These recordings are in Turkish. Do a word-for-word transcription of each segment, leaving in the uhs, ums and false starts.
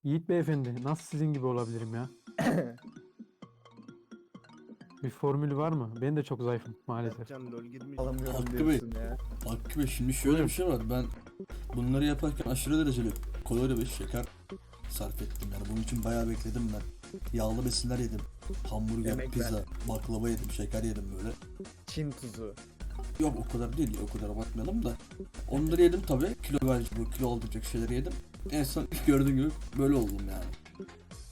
Yiğit beyefendi, nasıl sizin gibi olabilirim ya? Bir formülü var mı? Ben de çok zayıfım maalesef. Mertcan lol girmeyecek. Alamıyorum Hakkı Bey. diyorsun ya. Hakkı Bey, şimdi şöyle bir şey var. Ben bunları yaparken aşırı dereceli kalori ve şeker sarf ettim. Yani bunun için bayağı bekledim ben. Yağlı besinler yedim. Hamburger, Yemek pizza, ver. baklava yedim, şeker yedim böyle. Çin tuzu. Yok o kadar değil ya, o kadar bakmayalım da. Onları yedim tabii. Kilo verici, bu kilo aldıracak şeyleri yedim. En son gördüğün gibi böyle oldum yani.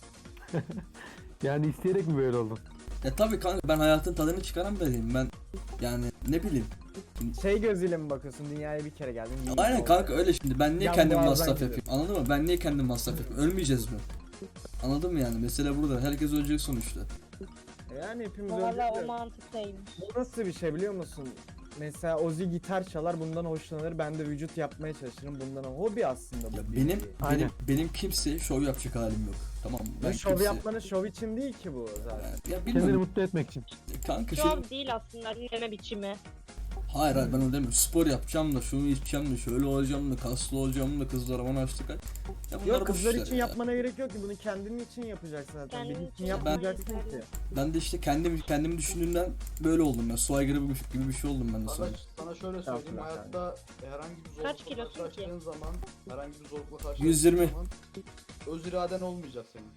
Yani isteyerek mi böyle oldun? Ya tabii kanka, ben hayatın tadını çıkaran biriyim. Ben yani ne bileyim. Şey gözüyle mi bakıyorsun? Dünyaya bir kere geldin. yiğit Aynen oldun. kanka, öyle şimdi. Ben niye Yan kendim boğazdan masraf gidiyor. yapayım? Anladın mı? Ben niye kendim masraf yapayım? Ölmeyeceğiz mi? Anladın mı yani? Mesele burada. Herkes ölecek sonuçta. Yani hepimiz Valla o öldük. mantıktaymış. Bu nasıl bir şey biliyor musun? Mesela Ozzy gitar çalar, bundan hoşlanır. Ben de vücut yapmaya çalışırım. Bundan hobi aslında bu. Ya bir benim nevi. benim Aynen. benim kimseye şov yapacak halim yok. Tamam mı? Ben Bu şov kimseye- yapmanın şov için değil ki bu zaten. Ya Kendini bilmiyorum mutlu etmek için. kanka şey. Şov değil aslında dinleme biçimi. Hayır hayır, ben öyle demiyorum. Spor yapacağım da, şunu içeceğim de, şöyle olacağım da, kaslı olacağım da, kızlara bana açtık. Ya bunlar Yok, boş kızlar işler için ya. yapmana gerek yok ki, bunu kendin için yapacaksın zaten. Kendin Benim için için yapman yapmayacaksın yeterli. ki. Ben de işte kendim kendimi düşündüğümden böyle oldum ben. Su aygırı gibi, gibi bir şey oldum ben de sonra. Sana, sana şöyle söyleyeyim, Estağfurullah hayatta herhangi bir zorlukla Kaç kilosun ki? karşılaştığın zaman, herhangi bir zorlukla karşılaştığın yüz yirmi. zaman öz iraden olmayacak senin.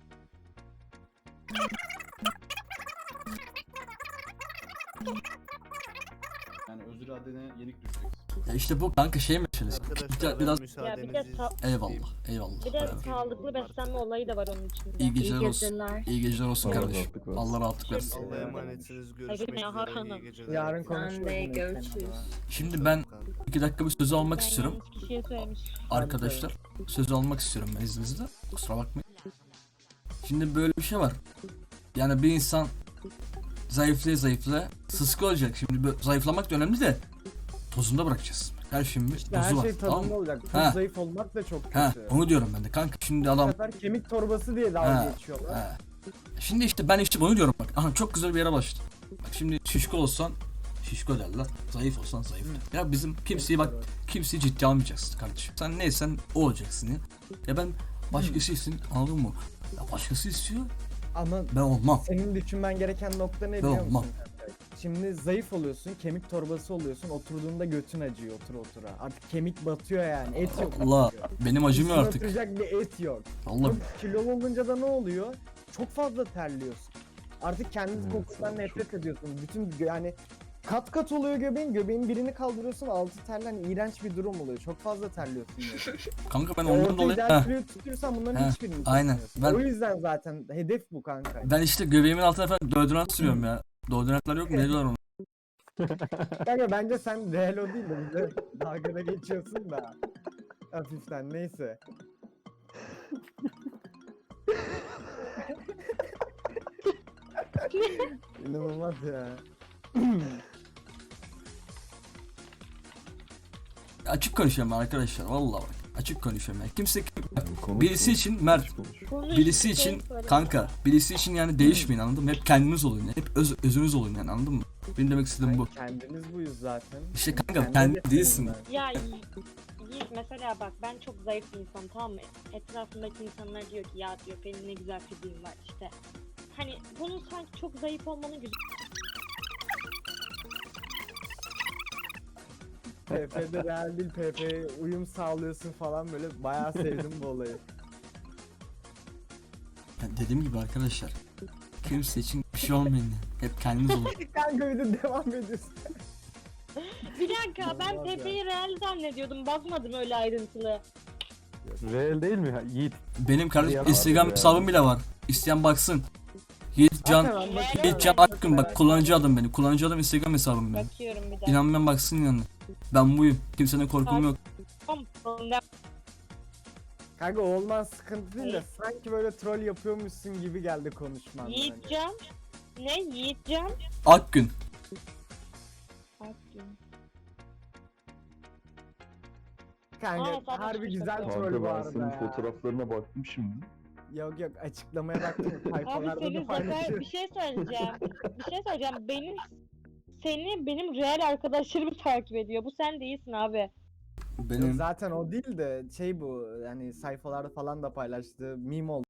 Yani öz iradene yenik düşeceksin. Ya işte bu kanka şey meselesi. Arkadaşlar Biraz ben Ya bir de müsaadenizi ta- eyvallah eyvallah. bir de eyvallah. sağlıklı beslenme olayı da var onun içinde. İyi geceler İyi olsun. geceler. İyi geceler olsun Allah kardeşim. rahatlık versin. Allah rahatlık versin. Allah'a emanetsiniz. Görüşmek Hadi üzere. Hakan'ım. İyi geceler. Yarın Sen konuşuruz. de yine görüşürüz. seninle. Şimdi ben iki dakika bir sözü almak Ben istiyorum. yanlış kişiye söylemiş. Arkadaşlar sözü almak istiyorum ben izninizle. Kusura bakmayın. Şimdi böyle bir şey var. Yani bir insan zayıflaya zayıflaya sıska olacak. Şimdi böyle zayıflamak da önemli de tozunda bırakacağız. Her şeyin bir İşte her dozu var. şey Tamam tadında mı? olacak. Çok Ha. zayıf olmak da çok kötü. Ha, onu diyorum ben de kanka. Şimdi Bu adam sefer kemik torbası diye Ha, dalga geçiyorlar. ha. Şimdi işte ben işte bunu diyorum bak. Aha, çok güzel bir yere başladım. Bak şimdi şişko olsan şişko derler. Zayıf olsan zayıf derler. Ya bizim kimseyi bak kimseyi ciddi almayacaksın kardeşim. Sen neysen o olacaksın ya. Ya ben başkası için, anladın mı? Ya başkası istiyor, Ama ben olmam. senin düşünmen gereken nokta ne Ben biliyor olmam. musun? kanka? Şimdi zayıf oluyorsun, kemik torbası oluyorsun, oturduğunda götün acıyor otur otura. Artık kemik batıyor yani, et yok. Allah, artık. benim acımıyor Üstüne artık. oturacak bir et yok. Allah, Çok kilolu olunca da ne oluyor? Çok fazla terliyorsun. Artık kendi Evet, kokundan çok. nefret ediyorsun. Bütün gö- yani kat kat oluyor göbeğin, göbeğin birini kaldırıyorsun, altı terlen, iğrenç bir durum oluyor. Çok fazla terliyorsun yani. kanka ben Orta ondan dolayı ideal Heh, kiloyu tutuyorsan bunların Heh, hiçbirini aynen. tutamıyorsun. Ben- O yüzden zaten hedef bu kanka. ben işte göbeğimin altına falan deodorant sürüyorum ya. Deodorantlar yok mu? Ne diyorlar onu? Kanka bence sen real o değil de bize dalgada geçiyorsun da. Hafiften neyse. İnanılmaz ya. Açık konuşuyorum ben arkadaşlar, vallahi bak. Açık konuşuyorum ya. Kimse bak, Yani konuş, birisi konuş, için Mert, konuş, konuş. Konuş, birisi bir şey için söyle. kanka, birisi için yani değişmeyin, anladın mı? Hep kendiniz olun yani. Hep öz, özünüz olun yani, anladın mı? Benim demek istediğim bu. Ay, kendimiz buyuz zaten. İşte kanka, Kendi kendi hedeflerim değilsin. ben. Ya Yi- Yiğit mesela bak ben çok zayıf bir insanım, tamam mı? Etrafımdaki insanlar diyor ki ya diyor benim ne güzel fiziğim var işte. Hani bunun sanki çok zayıf olmanın güzel. P P'de real değil, P P'ye uyum sağlıyorsun falan, böyle bayağı sevdim bu olayı. Yani dediğim gibi arkadaşlar, kimse için bir şey olmayın yani. Hep kendiniz olun. Kanka bir de devam ediyorsun. Bir dakika ben Olmaz ya. Pepe'yi real zannediyordum, bakmadım öyle ayrıntılı. Real değil mi ya? Yiğit. Benim kardeşim Yalan Instagram ya. hesabım bile var. İsteyen baksın. Yiğit Can, Hemen bakayım. Yiğit Can Akgün, bak kullanıcı adım benim. Kullanıcı adım Instagram hesabım benim. Bakıyorum bir dakika. İnanmayan baksın yani. Ben buyum. Kimsenin korkum yok. Tamam, ben- Kanka o olman sıkıntı değil de sanki böyle troll yapıyormuşsun gibi geldi konuşman. yani. Yiğitcan. Ne Yiğitcan? Akgün. Kanka Aa, zaten harbi çok güzel güzel. troll Kanka bu ben arada senin ya. fotoğraflarına baktım şimdi. Yok yok, açıklamaya baktım, Abi sayfalarda senin da zaten paylaşıyorum. bir şey söyleyeceğim. Bir şey söyleyeceğim. Benim seni benim real arkadaşlarımı takip ediyor. Bu sen değilsin abi. Benim Zaten o değil de şey bu yani sayfalarda falan da paylaştığı meme oldu.